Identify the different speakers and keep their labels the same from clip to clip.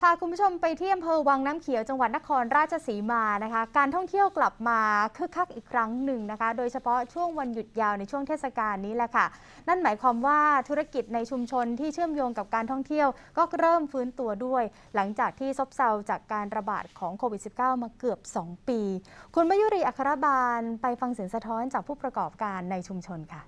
Speaker 1: พาคุณผู้ชมไปที่อำเภอวังน้ำเขียวจังหวัดนครราชสีมานะคะการท่องเที่ยวกลับมาคึกคักอีกครั้งหนึ่งนะคะโดยเฉพาะช่วงวันหยุดยาวในช่วงเทศกาลนี้แหละค่ะนั่นหมายความว่าธุรกิจในชุมชนที่เชื่อมโยงกับการท่องเที่ยวก็เริ่มฟื้นตัวด้วย หลังจากที่ซบเซาจากการระบาดของโควิด -19 มาเกือบ 2 ปีคุณมยุรีอัครบาลไปฟังเสียงสะท้อนจากผู้ประกอบการในชุมชนค่ะ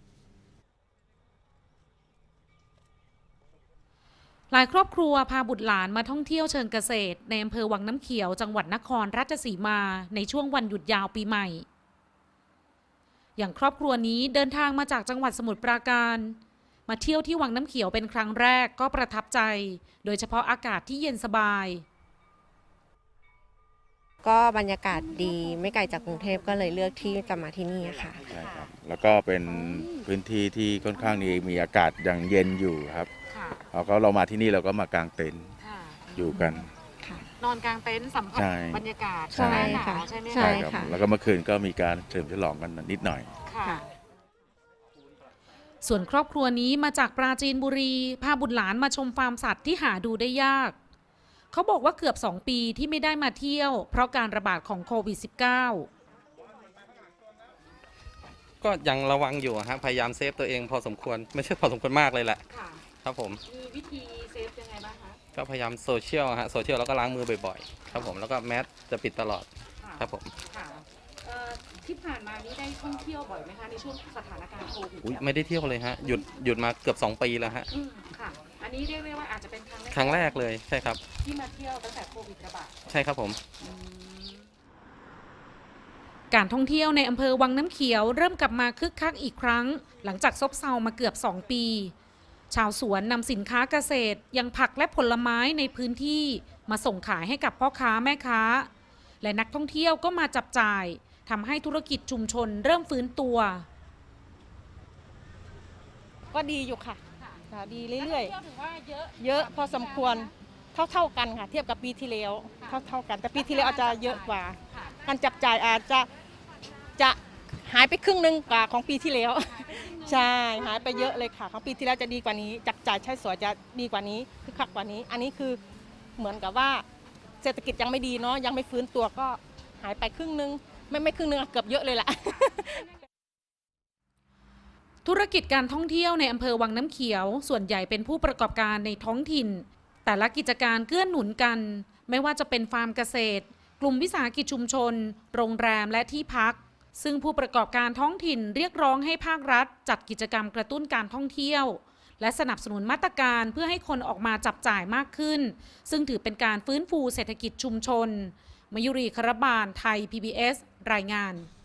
Speaker 2: หลายครอบครัวพาบุตรหลานมาท่องเที่ยวเชิงเกษตรในอำเภอวังน้ำเขียวจังหวัดนครราชสีมาในช่วงวันหยุดยาวปีใหม่อย่างครอบครัวนี้เดินทางมาจากจังหวัดสมุทรปราการมาเที่ยวที่วังน้ำเขียวเป็นครั้งแรกก็ประทับใจโดยเฉพาะอากาศที่เย็นสบาย
Speaker 3: ก็บรรยากาศดีไม่ไกลจากกรุงเทพก็เลยเลือกที่จะมาที่นี่ค่ะ
Speaker 4: ใช่ครับแล้วก็เป็นพื้นที่ที่ค่อนข้างมีอากาศยังเย็นอยู่ครับแล้วก็เรามาที่นี่เราก็มากางเต็นท์อยู่กัน
Speaker 2: นอนกลางเต็นท์สัมผัสบรรยากาศ
Speaker 3: ใช่ค่ะ
Speaker 2: ใช่ไหม
Speaker 4: ใช่ครับแล้วก็เมื่อคืนก็มีการเฉลิมฉลองกันนิดหน่อย
Speaker 2: ส่วนครอบครัวนี้มาจากปราจีนบุรีพาบุตรหลานมาชมฟาร์มสัตว์ที่หาดูได้ยากเขาบอกว่าเกือบ2 ปีที่ไม่ได้มาเที่ยวเพราะการระบาดของโควิด -19
Speaker 5: ก็ยังระวังอยู่ฮะพยายามเซฟตัวเองพอสมควรไม่ใช่พอสมควรมากเลยแหละครับผม
Speaker 2: มีวิธีเซฟยังไงบ้างคะ
Speaker 5: ก็พยายามโซเชียลแล้วก็ล้างมือบ่อยๆครับผมแล้วก็แมสจะปิดตลอดครับผม
Speaker 2: ที่ผ่านมานี้ได้ท่องเที่ยวบ่อยไหมคะในช่วงสถานการณ์โควิด
Speaker 5: ไม่ได้เที่ยวเลยฮะหยุดมาเกือบ2 ปีแล้วฮะ
Speaker 2: ค่ะอันนี้เรียกได้ว่าอาจจะเป็น
Speaker 5: ครั้งแรกเลยใช่ครับ
Speaker 2: ที่มาเที่ยวตั้งแต่โควิดระบาด
Speaker 5: ใช่ครับผม
Speaker 2: การท่องเที่ยวในอำเภอวังน้ำเขียวเริ่มกลับมาคึกคักอีกครั้งหลังจากซบเซามาเกือบ2 ปีชาวสวนนำสินค้าเกษตรยังผักและผลไม้ในพื้นที่มาส่งขายให้กับพ่อค้าแม่ค้าและนักท่องเที่ยวก็มาจับจ่ายทำให้ธุรกิจชุมชนเริ่มฟื้นตัว
Speaker 6: ก็ดีอยู่ค่ะดีเรื่อยๆเยอะพอสมควรเท่ากันค่ะเทียบกับปีที่แล้วเท่ากันแต่ปีที่แล้วอาจจะเยอะกว่าการจับจ่ายอาจจะหายไปครึ่งนึงกว่าของปีที่แล้วใช่หายไปเยอะเลยค่ะของปีที่แล้วจะดีกว่านี้จับจ่ายใช้สอยจะดีกว่านี้คึกคักกว่านี้อันนี้คือเหมือนกับว่าเศรษฐกิจยังไม่ดีเนาะยังไม่ฟื้นตัวก็หายไปครึ่งนึงไม่ครึ่งนึงเกือบเยอะเลยแหละ
Speaker 2: ธุรกิจการท่องเที่ยวในอำเภอวังน้ำเขียวส่วนใหญ่เป็นผู้ประกอบการในท้องถิ่นแต่ละกิจการเกื้อหนุนกันไม่ว่าจะเป็นฟาร์มเกษตรกลุ่มวิสาหกิจชุมชนโรงแรมและที่พักซึ่งผู้ประกอบการท้องถิ่นเรียกร้องให้ภาครัฐจัดกิจกรรมกระตุ้นการท่องเที่ยวและสนับสนุนมาตรการเพื่อให้คนออกมาจับจ่ายมากขึ้นซึ่งถือเป็นการฟื้นฟูเศรษฐกิจชุมชนมยุรี ครบาลไทย PBS รายงาน